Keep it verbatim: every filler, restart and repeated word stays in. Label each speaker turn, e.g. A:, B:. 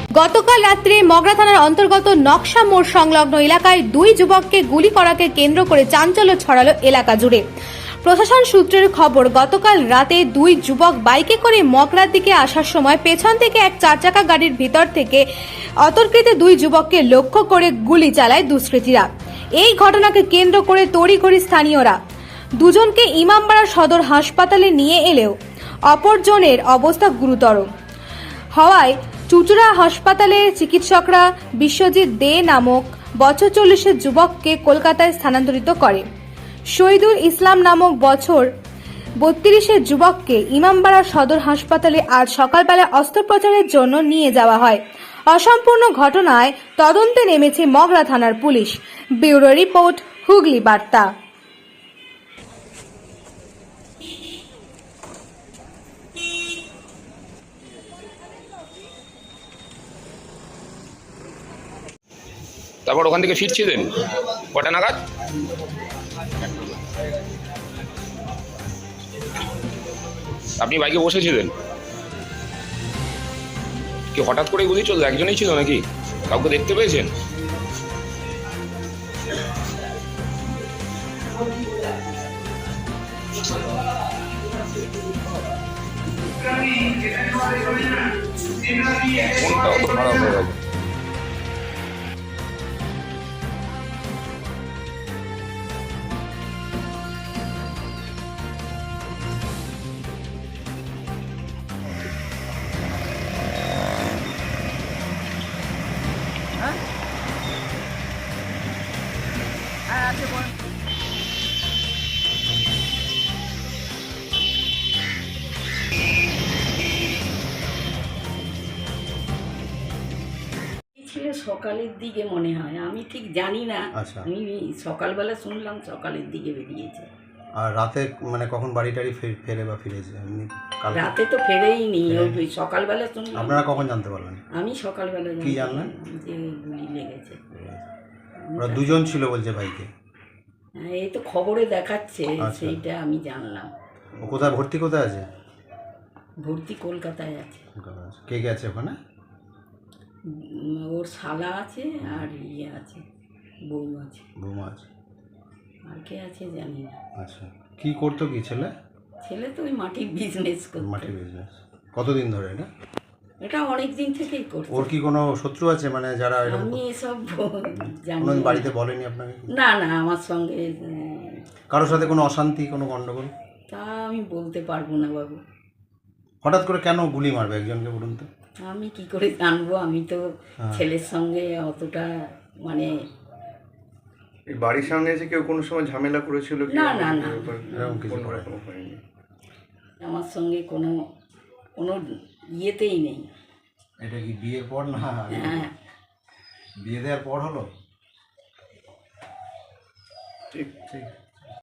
A: গতকাল রাত্রে মগরা থানার অন্তর্গত নকশা মোড় সংলগ্ন এলাকায় দুই যুবককে গুলি করাকে কেন্দ্র করে চাঞ্চল্য ছড়ালো এলাকা জুড়ে। প্রশাসন সূত্রের খবর, গতকাল রাতে দুই যুবক বাইকে করে মগরার দিকে আসার সময় পেছন থেকে এক চার চাকা গাড়ির ভিতর থেকে অতর্কিত দুই যুবককে লক্ষ্য করে গুলি চালায় দুষ্কৃতীরা। এই ঘটনাকে কেন্দ্র করে তড়িঘড়ি স্থানীয়রা দুজনকে ইমামবাড়া সদর হাসপাতালে নিয়ে এলেও অপরজনের অবস্থা গুরুতর হওয়ায় চুচুড়া হাসপাতালে চিকিৎসকরা বিশ্বজিৎ দে নামক বছর চল্লিশের যুবককে কলকাতায় স্থানান্তরিত করে। শহীদুল ইসলাম নামক বছর বত্রিশের যুবককে ইমামবাড়া সদর হাসপাতালে আজ সকালবেলা অস্ত্রোপচারের জন্য নিয়ে যাওয়া হয়। অসম্পূর্ণ ঘটনায় তদন্তে নেমেছে মগরা থানার পুলিশ। ব্যুরো রিপোর্ট, হুগলি বার্তা।
B: তারপর ওখান থেকে ফিরছিলেন কটা নাগাদ? আপনি বাইকে বসেছিলেন কি হঠাৎ করে গুলি চললো? একজনই ছিল নাকি কাউকে দেখতে পেয়েছেন? মনটাও তো খারাপ হয়ে গেল।
C: ছিল সকালের দিকে মনে হয়, আমি ঠিক জানি না।
D: আচ্ছা।
C: আমি সকালবেলা শুনলাম সকালের দিকে বেরিয়েছে।
D: আর রাতে মানে কখন বাড়ি টাড়ি ফে- ফেরে বা ফিরেছে এমনি কাল?
C: রাতে তো ফেরেই নি, ওই সকালবেলা শুনলাম।
D: আপনারা কখন জানতে পারলেন?
C: আমি সকালবেলা
D: কি জানলেন?
C: যে গুলি লেগেছে।
D: ওরা দুজন ছিল বলছে বাইকে।
C: হ্যাঁ, এই তো খবরে দেখাচ্ছে,
D: আচ্ছা।
C: সেইটা আমি জানলাম।
D: ও কোথায় ভর্তি কোথায় আছে?
C: ভর্তি কলকাতায় আছে।
D: কলকাতায় আছে। কে কে আছে ওখানে?
C: উম, ওর শালা আছে আর ইয়ে আছে, বউ আছে।
D: বৌমা আছে।
C: আর কে আছে জানি না।
D: আচ্ছা, কি করতো কি ছেলে?
C: ছেলে তো ওই মাটির বিজনেস করতো।
D: মাটির বিজনেস। কতদিন ধরে এটা?
C: এটা অনেক দিন থেকেই করতো।
D: ওর কি কোনো শত্রু আছে মানে যারা এরকম?
C: আমি এসব জানি
D: কোনো
C: না।
D: বাড়িতে বলেনি আপনাকে?
C: না না, আমার সঙ্গে উম,
D: কারোর সাথে কোনো অশান্তি, কোনো গন্ডগোল?
C: তা আমি বলতে পারবো না বাবু।
D: হঠাৎ করে কেন গুলি মারবে একজনকে বলুন তো?
C: আমি কি করে জানবো? আমি তো
D: হ্যাঁ।
C: ছেলের সঙ্গে অতটা মানে
E: এই বাড়ির সামনে এসে কেউ কোনো সময় ঝামেলা করেছিল কি?
C: না, না, না।
D: এরকম কিছু
E: কোনো
D: করে?
E: রকম হয়নি।
C: আমার সঙ্গে কোনো কোনো ইয়েতেই নেই।
D: এটা কি বিয়ের পর না
C: হ্যাঁ,
D: বিয়ে দেওয়ার পর হলো?
E: ঠিক
D: ঠিক